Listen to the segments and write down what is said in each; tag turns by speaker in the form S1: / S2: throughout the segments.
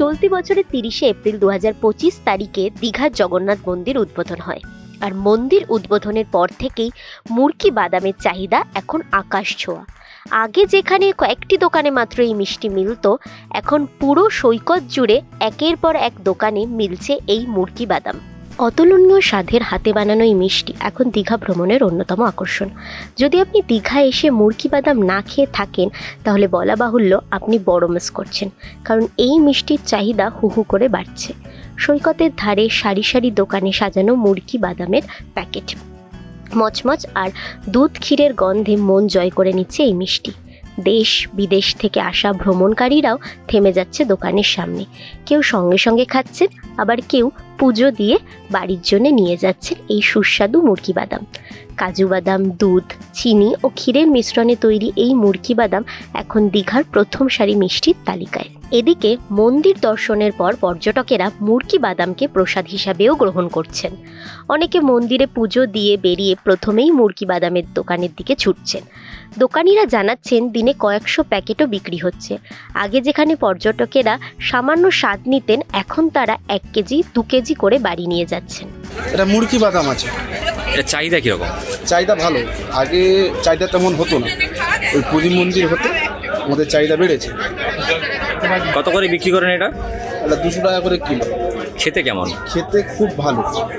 S1: চলতি বছরের 30শে এপ্রিল 2025 তারিখে দীঘার জগন্নাথ মন্দির উদ্বোধন হয়। আর মন্দির উদ্বোধনের পর থেকেই মুরকি বাদামের চাহিদা এখন আকাশ ছোঁয়া। আগে যেখানে কয়েকটি দোকানে মাত্র এই মিষ্টি মিলত, এখন পুরো সৈকত জুড়ে একের পর এক দোকানে মিলছে এই মুরকি বাদাম। অতুলনীয় স্বাদের হাতে বানানো এই মিষ্টি এখন দীঘা ভ্রমণের অন্যতম আকর্ষণ। যদি আপনি দীঘায় এসে মুরকি বাদাম না খেয়ে থাকেন, তাহলে বলা বাহুল্য আপনি বড় মিস করছেন, কারণ এই মিষ্টির চাহিদা হু হু করে বাড়ছে। সৈকতের ধারে সারি সারি দোকানে সাজানো মুরকি বাদামের প্যাকেট, মচমচ আর দুধ ক্ষীরের গন্ধে মন জয় করে নিচ্ছে এই মিষ্টি। দেশ বিদেশ থেকে আসা ভ্রমণকারীরাও থেমে যাচ্ছে দোকানের সামনে। কেউ সঙ্গে সঙ্গে খাচ্ছেন, আবার কেউ পুজো দিয়ে বাড়ির জন্য নিয়ে যাচ্ছেন এই সুস্বাদু মুরকি বাদাম। কাজু বাদাম, দুধ, চিনি ও ক্ষীরের মিশ্রণে তৈরি এই মুরকি বাদাম এখন দীঘার প্রথম সারি মিষ্টির তালিকায়। এদিকে মন্দির দর্শনের পর পর্যটকেরা মুরকি বাদামকে প্রসাদ হিসাবেও গ্রহণ করছেন। অনেকে মন্দিরে পুজো দিয়ে বেরিয়ে প্রথমেই মুরকি বাদামের দোকানের দিকে ছুটছেন। দোকানিরা জানাচ্ছেন দিনে কয়েকশো প্যাকেটও বিক্রি হচ্ছে। আগে যেখানে পর্যটকেরা সামান্য স্বাদ নিতেন, এখন তারা 1 কেজি 2 কেজি করে বাড়ি নিয়ে যাচ্ছেন।
S2: এটা মুরকি বাদাম আছে।
S3: এটা চাহিদা কীরকম?
S2: চাহিদা ভালো, আগে চাহিদা তেমন হতো না, ওই পুরী মন্দির হতে আমাদের চাহিদা বেড়েছে।
S3: কত করে বিক্রি করেন এটা?
S2: এটা 200 টাকা করে কিলো।
S3: খেতে কেমন?
S2: খেতে খুব ভালো।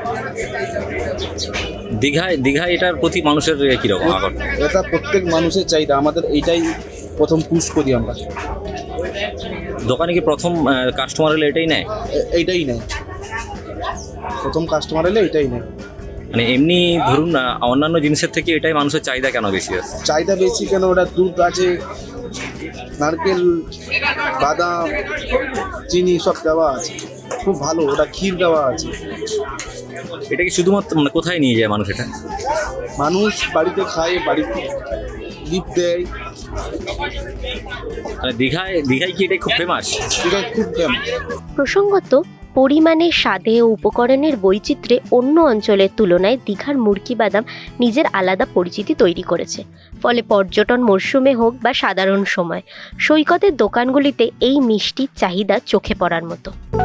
S3: দীঘায় এটার প্রতি মানুষের কীরকম আকর্ষণ?
S2: এটা প্রত্যেক মানুষের চাহিদা, আমাদের এইটাই প্রথম পুশ করি আমরা।
S3: দোকানে কি প্রথম কাস্টমার হলে এটাই নেয়?
S2: এইটাই নেয়, প্রথম কাস্টমার এলে এটাই নেয়।
S3: মানে এমনি ধরুন না, অন্যান্য জিনিসের থেকে এটাই মানুষের চাহিদা কেন বেশি আছে?
S2: চাহিদা বেশি কেন, ওটা দুধ আছে, নারকেল, বাদাম, চিনি সব দেওয়া আছে, খুব ভালো। ওটা ক্ষীর দেওয়া আছে।
S3: এটা কি শুধুমাত্র মানে কোথায় নিয়ে যায় মানুষ এটা?
S2: মানুষ বাড়িতে খায়, বাড়িতে গিফট দেয়।
S3: মানে দীঘায় কি এটা খুব ফেমাস?
S2: এটাই খুব ফেমাস।
S1: প্রসঙ্গত, পরিমাণে, স্বাদে ও উপকরণের বৈচিত্র্যে অন্য অঞ্চলের তুলনায় দীঘার মুরকি বাদাম নিজের আলাদা পরিচিতি তৈরি করেছে। ফলে পর্যটন মরশুমে হোক বা সাধারণ সময়, সৈকতের দোকানগুলিতে এই মিষ্টির চাহিদা চোখে পড়ার মতো।